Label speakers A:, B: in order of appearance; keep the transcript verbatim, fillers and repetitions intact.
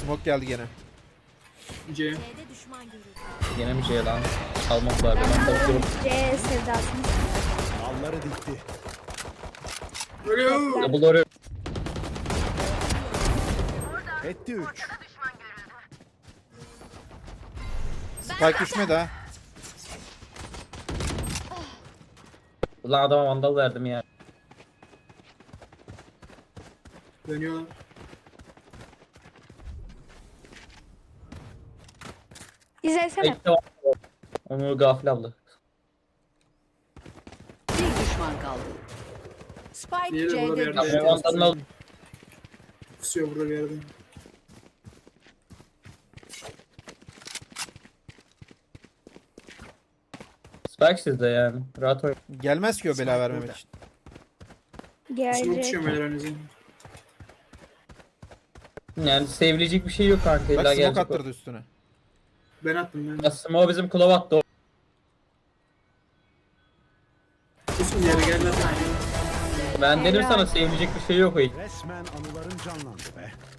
A: Smoke geldi gene.
B: C.
C: C'de düşman görüldü.
D: Yine bir şey lan. Almak var. Ben bakıyorum.
E: C sevdasını.
F: Malları dikti.
B: Ölüyor.
D: Double oraya.
F: Etti üç.
A: Spike düşmedi ha.
D: Ulan adama vandal verdim ya.
B: Dönüyor.
E: İzlesene.
D: Ekte vandal var. Onu gafil aldı.
C: Bir düşman kaldı. Spike
B: Diğeri burada bir
C: C'de
B: yerde.
C: düştü.
D: Tamam vandalını al.
B: Kusuyor burada bir yerde.
D: Spike sizde yani. Rahat oyun.
A: Gelmez ki o bela vermemek için.
B: Smoke
E: Gelecek.
B: düşüyor beyler önünüze.
D: Yani sevilecek bir şey yok kanka.
A: Bak
D: İlla
A: smoke
D: gelecek o.
A: attırdı üstüne.
B: Ben attım ben.
D: Ya Smo bizim klov attı o.
B: Kusun yere gelmez.
D: Ben dedim
E: Helal.
D: sana sevilecek bir şey yok o hiç.
F: Resmen anıların canlandı be.